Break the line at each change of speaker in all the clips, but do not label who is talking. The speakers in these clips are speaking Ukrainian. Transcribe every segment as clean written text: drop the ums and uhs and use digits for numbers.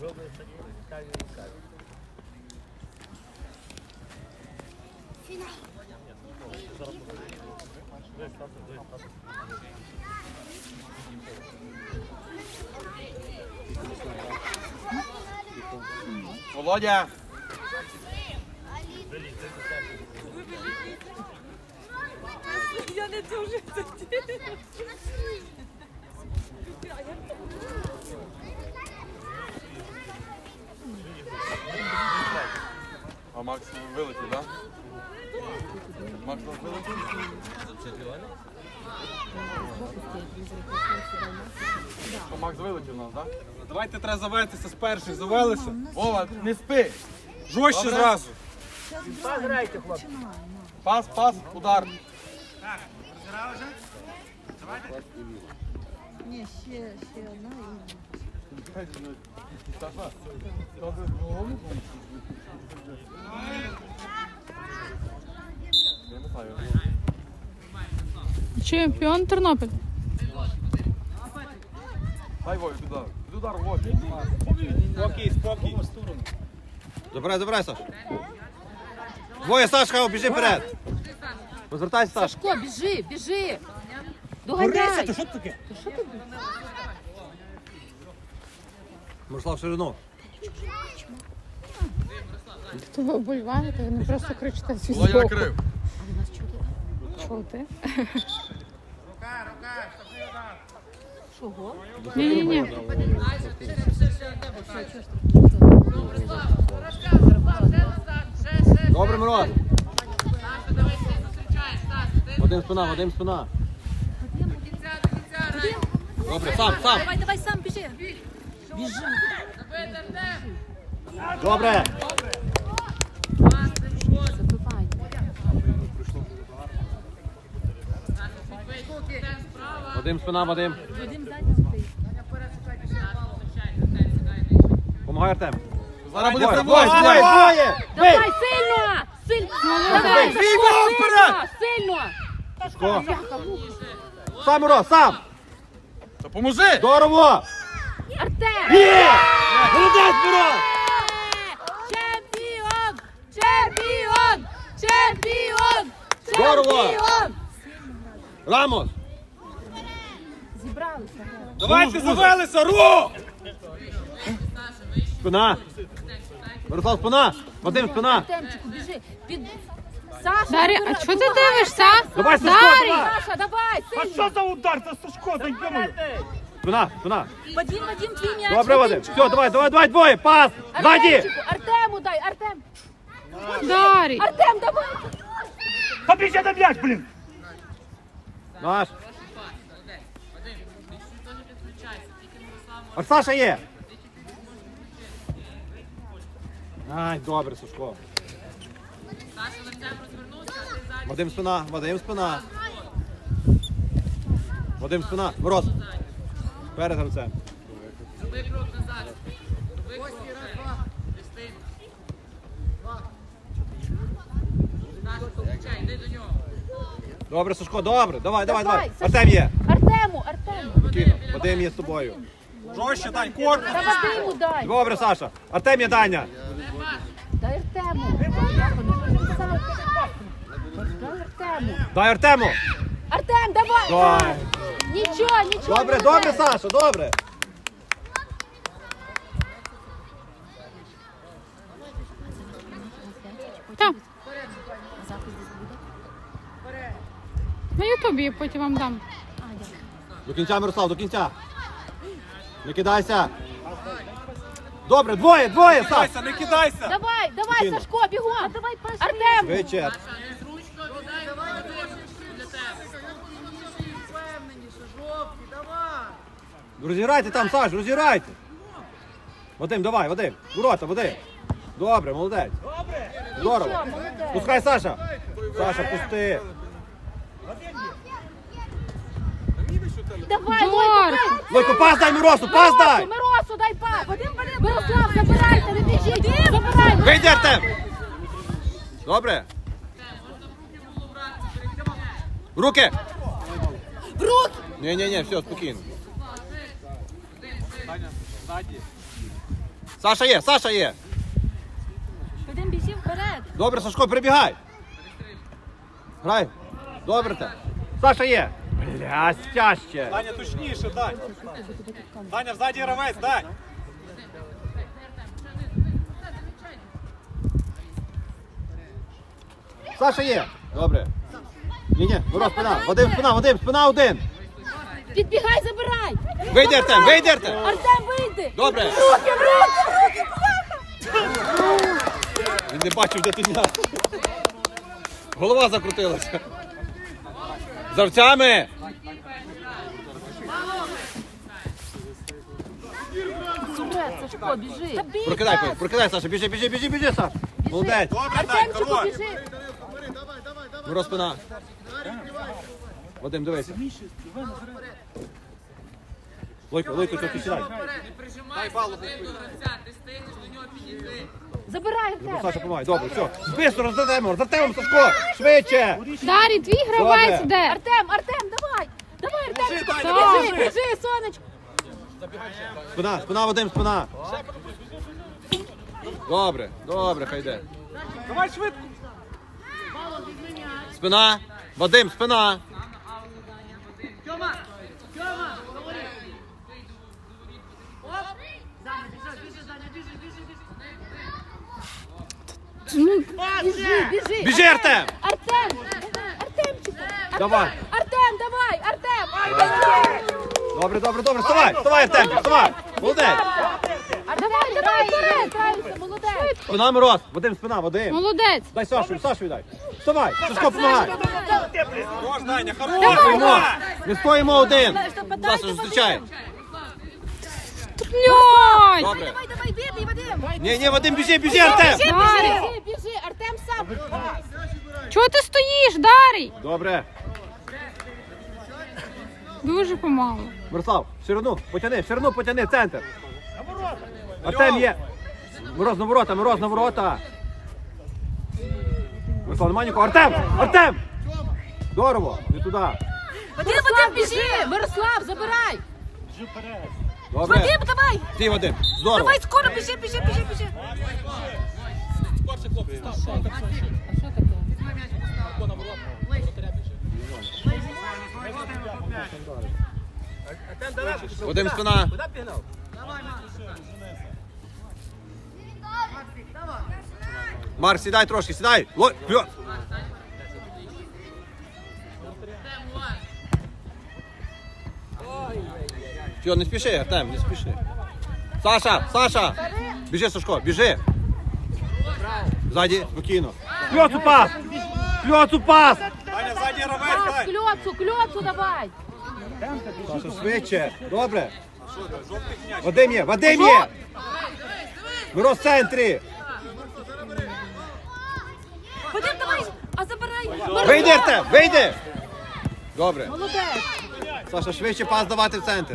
Володя!
Я не дуже тоді.
А Макс вилетів, так? Макс вилетів? Макс вилетів у нас, так?
Давайте треба завестися з перших, завелися.
Вова, не спи!
Жорстче зразу.
Пограйте, хлопці.
Пас, пас, удар.
Ні, ще одна і...
Чемпіон Тернопіль.
Дай Вові, удар. Удар, Вові.
Спокій, спокій.
Забирай, Саш. Двоє, Сашка, біжи вперед. Розвертайся, Саш.
Сашко, біжи.
Борися,
Доганяй.
то що це таке?
Мирослав, ширину.
То ви вболіваєте, ви не просто кричите всі
Володя
збоку.
накрив.
Чути?
Чого?
Ні.
Добре, Мирон. Вадим спина. Добре, сам.
Давай сам біжи.
Добре.
Забивай.
Вадим спина.
Вадим ззаді стоїть.
Помагай, Артем.
Зараз буде
Двоє.
Давай, сильно! Давай,
Бий його вперед!
сильно!
Сашко. Сам, Мирон, сам.
Допоможи!
Здорово.
Артем!
Є! Молодець, Мирон!
Чемпіон!
Здорово! Рамос.
Зібралися.
Давайте завелися, рух!
Спина. Мирослав, спина. Вадим, спина.
Артемчику, біжи. Саша,
Дар'я, а чого ти дивишся?
Давай, Сашко,
Дар'я!
давай.
Саша, давай,
А
сильно.
що за удар? Це Сашко, дай йому.
Спина.
Вадим, твій м'яч.
Добре, Вадим. Все, давай, двоє. Пас. Ззаді.
Артемчику, Артему дай, Артем.
Дар'я!
Артем, давай.
Та біжи на м'яч, блін.
Наш. А Саша є. Ай, добре, Сашко. Вадим спина. Мороз. Перед гравцем. Добре, Сашко, добре. Давай.
Давай,
Артем є.
Артему.
Спокійно. Вадим є з тобою.
Жорстче, дай корпус.
Та Вадиму дай.
Добре, Саша. Артем є, Даня.
Дай Артему.
Дай Артему.
Артем, давай.
Давай.
Нічого.
Добре, Саша, добре.
Так. На Ютубі я потім вам дам.
До кінця, Мирослав, до кінця. Не кидайся. Добре, двоє, Саш.
Не кидайся.
Давай,
Спокійно.
Сашко, бігом. Артем.
Швидше. Розіграйте там, Саш, розіграйте. Вадим, давай, Вадим. Ворота, Вадим. Добре, молодець. Здорово.
Нічого, молодець.
Пускай, Саша. Саша, пусти.
Давай,
Лойко, пас дай Миросу, пас дай.
Миросу, дай пас. Мирослав, забирайте, не біжіть. Забирайте.
Вийди, Артем. Добре. В руки.
В руки.
Ні, все, спокійно. Саша є, Саша є.
Вадим, біжи вперед.
Добре, Сашко, прибігай. Грай. Добре те. Саша є. Бля, тяжче.
Даня, точніше, Дань. Даня, взаді гравець, Дань.
Саша є. Добре. Ні, Мороз, спина. Вадим, спина один.
Підбігай, забирай.
Вийди, Артем, вийди, Артем.
Артем, вийди.
Добре.
Руки, руки.
Він не бачив, де ти м'яч. Голова закрутилася. З гравцями.
Вперед, Сашко, біжи.
Прокидай, Саша, біжи, Саша. Молодець.
Добре, Дань,
Артемчику,
хорош.
біжи.
Мороз, спина. Вадим, дивися. Лойко, ти сідай.
Забирай,
Ну,
Артем.
Саша, помагай, добре, все. Збистро, роздатемо, Сашко, швидше.
Дарій, твій гравець
Добре.
де?
Артем, давай. Давай,
Біжи,
Артем.
Даня,
Біжи, біжи, сонечко.
Спина, Вадим, спина. Добре, хай йде.
Давай швидко.
Спина, Вадим, спина.
Біжи.
Біжи, Артем.
Артемчику.
Давай.
Артем, давай, Артем.
Добре, вставай, Артем, вставай. Молодець.
Давай, вперед. Молодець.
Спина, Мороз, Вадим, спина, Вадим.
Молодець.
Дай Сашу дай. Вставай, Сашко, помагай.
Хорош, Даня,
Стоїмо.
хорош.
Ми стоїмо один. Саша зустрічає.
Льонь!
Добре.
Давай, бідний, Вадим.
Ні, Вадим, біжи, Артем.
Біжи, Артем сам.
Чого ти стоїш, Дарій?
Добре.
Дуже помало.
Мирослав, ширину потяни, центр. Артем є. Мороз на ворота. Мирослав, нема нікого. Артем! Здорово, не туди.
Вадим, біжи. Мирослав, забирай.
Добре.
Вадим, давай.
Ти, Вадим, здорово.
Давай, скоро, біжи.
Вадим, спина. Марк, сідай трошки, сідай. Вперед. Все, не спіши, Артем, не спіши. Саша! Біжи, Сашко, біжи. Ззаді, спокійно. Кльоцу пас!
Даня, взаді гравець, Дань.
Кльоцу давай.
Саша, швидше. Добре. Вадим є. Мороз в центрі.
Вадим, давай. А забирай.
Вийди, Артем, вийди. Добре.
Молодець.
Саша, швидше пас давати в центр.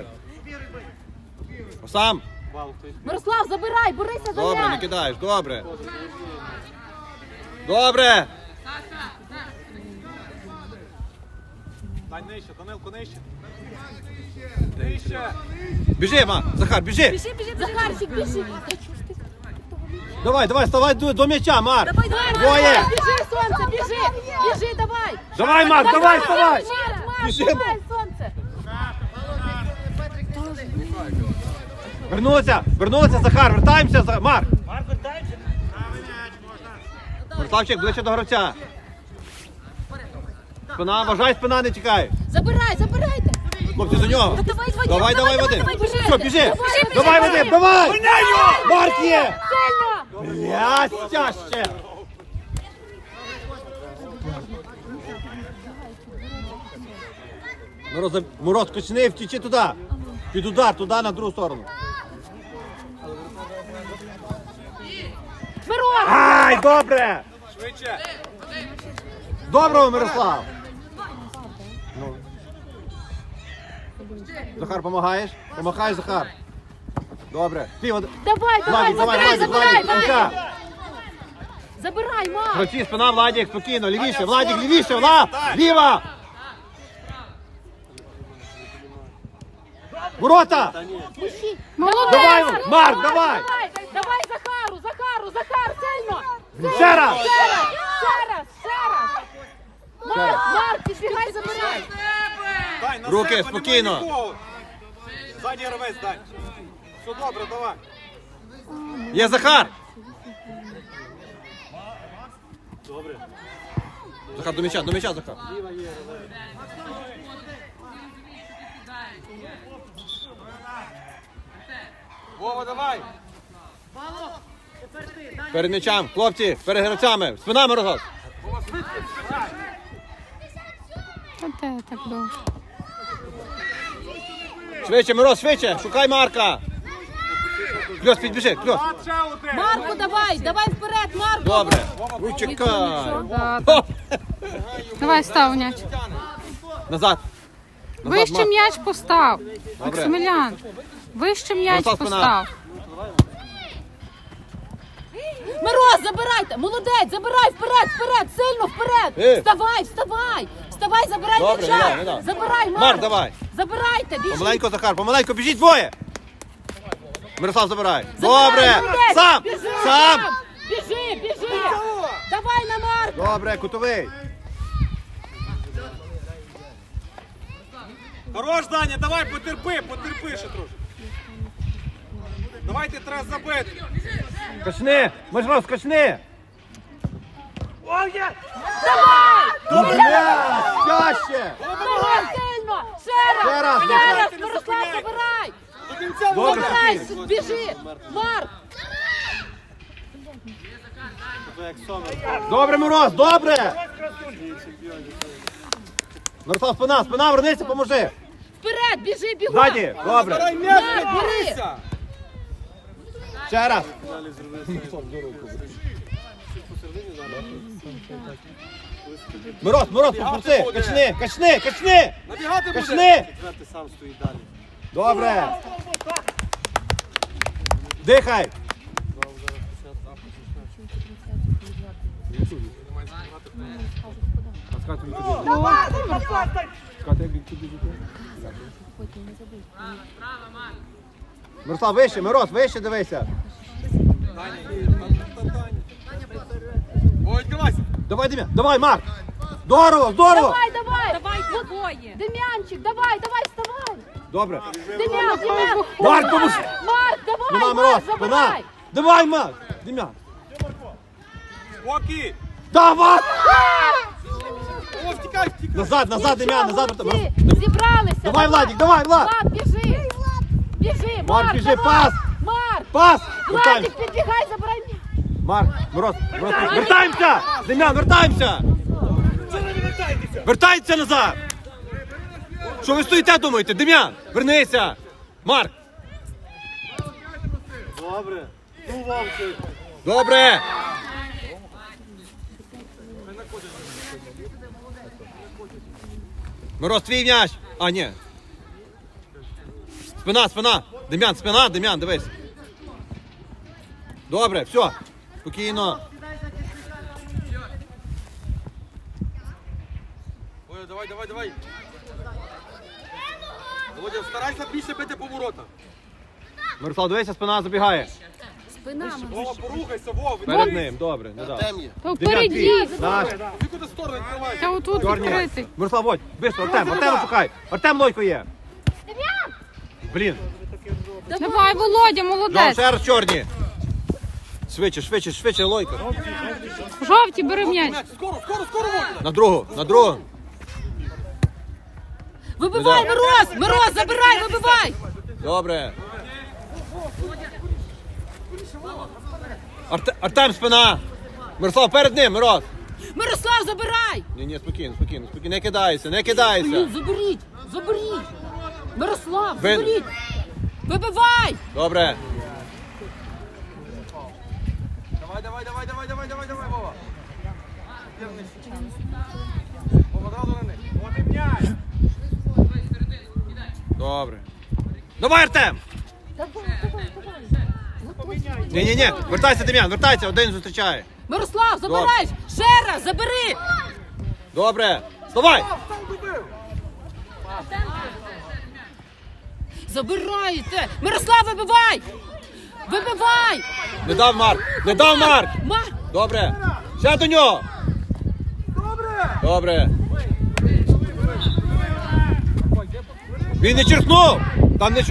Сам.
Мирослав, забирай, борися за
Добре, не
м'яч.
кидаєш, добре. Добре.
Дань, нижче, Данилко, нижче. Нижче.
Біжи, Захар, біжи.
Біжи. Захарчик, біжи.
Давай, ставай до м'яча, Марк.
Давай.
Двоє.
Біжи, сонце, біжи, давай.
Давай, Марк, давай, вставай.
Марк,
Біжимо.
давай, сонце.
Вернуться, Захар, вертаємося, Марк.
Марк, вертаємося.
Мирославчик, ближче до гравця. Спина, вважай, спина, не тікай.
Забирайте.
Хлопці, за нього.
Давай,
Вадим.
біжи.
Все, біжи.
Біжи.
Давай, Вадим, давай. Марк є.
Сильно.
Блядь, тяжче. Мороз, качни, втічи туди. Під удар, туди, на другу сторону.
Мирон.
Ай, добре.
Швидше.
Доброго, Мирослав. Ну. Захар, помагаєш? Помахай, Захар. Добре. Ти,
Давай, забирай. Забирай, Марк.
Гравці, спина, Владик, спокійно, лівіше, Владик, лівіше, Влад, ліва. Ворота.
Молодець.
Давай, Марк, давай.
Давай, Захару, Захар, сильно!
Ще раз!
Ще раз! Ще раз! Ще раз! Марк, підбігай, забирай!
Дань, на
Руки,
себе,
спокійно.
немає нікого. Ззаді гравець, Дань. Все добре, давай.
Є Захар! Захар, до м'яча, Захар.
Вова, давай.
Перед м'ячем, хлопці, перед гравцями, спинами розгад.
Вова, швидко.
Та де так довго?
Швидше, Мороз, швидше, шукай Марка. Кльос, підбіжи, Кльос.
Ще один.
Марку, давай! Давай вперед, Марку!
Добре. Ой, чекай.
Да,
О!
Давай став м'яч.
Назад.
Вище
Марк.
м'яч постав.
Добре.
Максимілян. Вище м'яч
Мирослав, спина.
постав.
Мороз, забирайте! Молодець, забирай вперед, вперед, сильно вперед! Вставай, вставай! Вставай, забирай
Добре,
м'яча!
не дам.
Забирай, Марк!
Марк, давай.
Забирайте, біжіть!
Помаленько, Захар, помаленько, біжіть двоє. Мирослав, забирай.
Забирай,
Добре.
молодець!
Сам,
Біжи,
сам.
Біжи, біжи! Давай на Марка!
Добре, кутовий.
Хорош, Даня, давай, потерпи ще трошки. Давайте треба забити.
Качни, Мирослав, скачни.
Давай!
Добре, чаще.
Давай сильно! Ще раз!
Ще раз,
Мирослав, забирай!
До кінця
Добре.
Забирай, біжи! Марк!
Добре, Мороз, добре. Мирослав, спина, вернися, поможи.
Вперед, біжи, бігом!
Ззаді, добре.
Забирай м'яч,
Марк,
не
бери!
борися.
Ще раз. Мороз, попусти, качни.
Набігати буде.
Качни. Добре. Дихай. Мирослав, вище, Мороз, вище дивися.
Вова, відкривайся.
Давай, Дем'ян, давай, Марк. Здорово.
Давай! Давай двоє! Дем'янчик, давай, вставай!
Добре.
Дем'ян!
Марк, поможи.
Марк, давай!
Спина,
Марк,
Мороз, спина.
забирай!
Давай, Марк. Дем'ян.
Спокій.
Давай.
Вова, втікай.
Назад, Дем'ян, назад.
Молодці, зібралися!
Давай, Владик, давай, Влад.
Влад, біжи! Біжи, Марк,
біжи,
давай!
пас!
Марк!
Пас.
Владик, підбігай, забирай м'яч!
Марк, Мороз, вертаємося! Дем'ян, вертаємося! Вертайтеся назад! Що ви стоїте, думаєте? Дем'ян, вернися! Марк! Добре! Мороз, твій м'яч! А, ні. Спина! Дем'ян, дивись. Добре, все. Спокійно.
Ой, давай. Володя, старайся більше бити по воротах.
Мирослав, дивися, спина забігає.
Спина,
Вова, порухайся, Вова.
Перед ним, добре, не дав.
То
Дем'ян,
впереді.
твій. Наш.
Ти куди сторону відкриваєш?
Та отут
Чорні.
відкритий.
Мирослав, водь, бистро, Артем шукай. Артем Лойко є. Блін.
Давай, Володя,
Жов,
молодець.
ще раз чорні. Швидше, Лойко.
Жовті, бери м'яч.
Скоро, Володя.
На другу.
Вибивай, Мороз, забирай, вибивай!
Добре. Артем, спина. Мирослав, перед ним, Мороз.
Мирослав, забирай!
Ні, спокійно. Не кидайся.
Блін, заберіть! Мирослав, заберіть! Вибивай!
Добре.
Давай, Вова. Вова, одразу на них.
От і м'яч.
Добре. Давай, Артем. Ні. Вертайся, Дем'ян, один зустрічає.
Мирослав, забирай! Ще раз, забери!
Добре. Вставай.
Забирайте! Мирослав, вибивай! Вибивай!
Не дав Марк! Не дав Марк!
Марк!
Добре! Ще до нього! Добре! Він не черкнув! Там не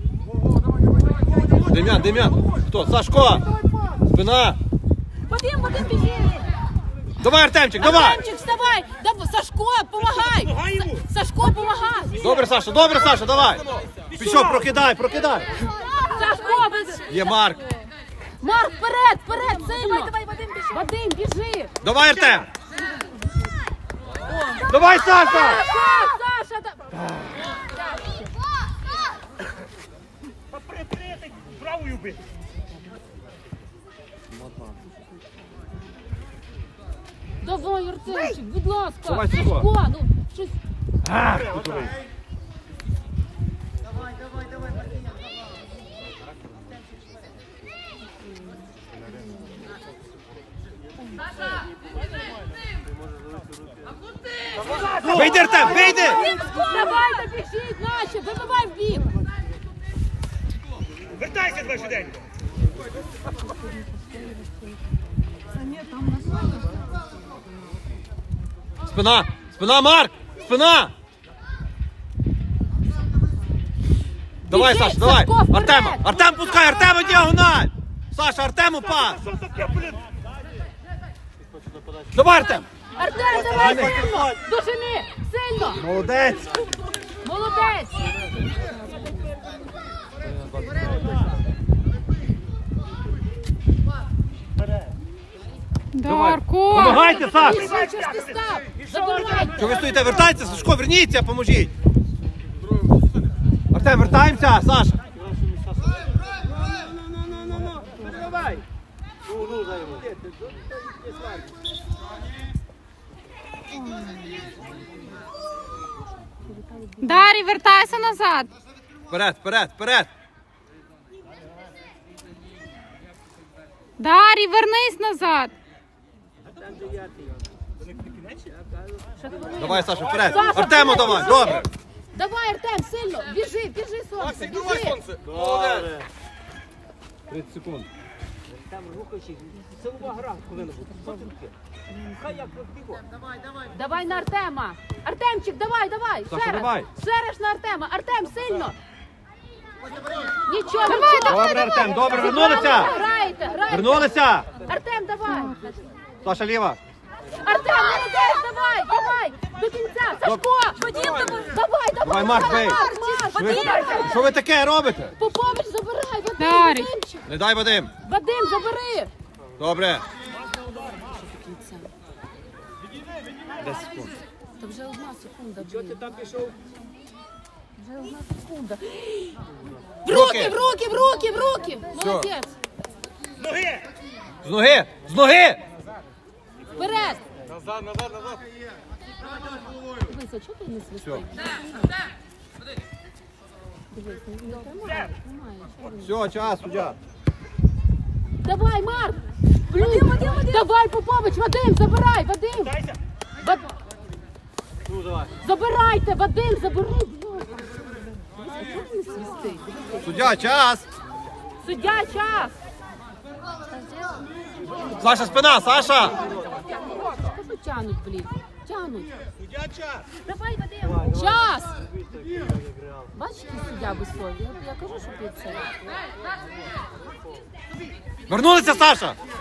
Дем'ян! Хто? Сашко! Спина!
Вадим, біжи!
Давай, Артемчик, давай!
Артемчик, вставай! Сашко, помагай! Сашко, помагай!
Добре, Саша, давай! Пішов, прокидай!
Сашко,
Є Марк!
Марк, вперед, сильно! Давай, Вадим, біжи!
Давай, Артем! Давай, Саша!
Саша,
Попри, правою би.
Давай, Артемчик, будь ласка!
Давай, Сашко.
Сашко, ну, щось...
Вийди, Артем, вийди!
Давайте, біжіть, наші, вибивай в бік!
Вертайся, два швиденько.
Спина, Марк! Спина! Давай,
Біжи,
Саша, давай!
Сашко, вперед!
Артем пускай, Артему діагональ! Саша, Артему пас!
Що таке, блін?
Давай, Артем!
Артем, давай сильно! Дожини! Сильно!
Молодець!
Молодець!
Дарко!
Помагайте, Саш!
Біжи, щось ти став! Забирайте!
Що ви стоїте? Вертайтеся, Сашко, верніться, поможіть! Артем, вертаємося, Саша!
Дарі, вертайся назад!
Вперед!
Дарі, вернись назад!
Давай, Саша, вперед!
Саша,
Артему
вперед,
давай,
біжи!
добре!
Давай, Артем, сильно! Біжи, сонце,
Максик, давай,
біжи!
сонце! Молодець!
30 секунд.
Давай на Артема! Артемчик, давай!
Саша,
Ще раз!
давай.
Ще раз на Артема! Артем, сильно! Нічого,
Добре, Артем, добре, вернулися!
Граєте!
Вернулися!
П'ятим, давай!
Саша, ліва!
Артем, молодець, давай! До кінця! Сашко! Вадим,
Давай, Марк, бей! Що ви таке робите?
Попович, забирай! Вадим,
Дарій.
Вадимчик!
Не дай, Вадим!
Вадим, забери!
Добре!
Та вже 1 секунда. Чого ти там пішов? Вже 1 секунда. В руки! Молодець!
Ноги!
З ноги!
Вперед!
Назад!
Дивися, чого ти не свистиш? Дивись, немає.
Все, час, суддя.
Давай, Марк! Вадим! Давай, Попович, Вадим, забирай, Вадим!
Дайся!
Забирайте, Вадим, забери! Дивися, чого ти не свистиш?
Суддя, час!
Суддя, час!
Саша, спина, Саша!
Що тянуть, блін? Тянуть.
Суддя час!
Давай, Вадим! Час! Бачиш, який суддя високий? Я кажу, що ти це.
Вернулися, Саша!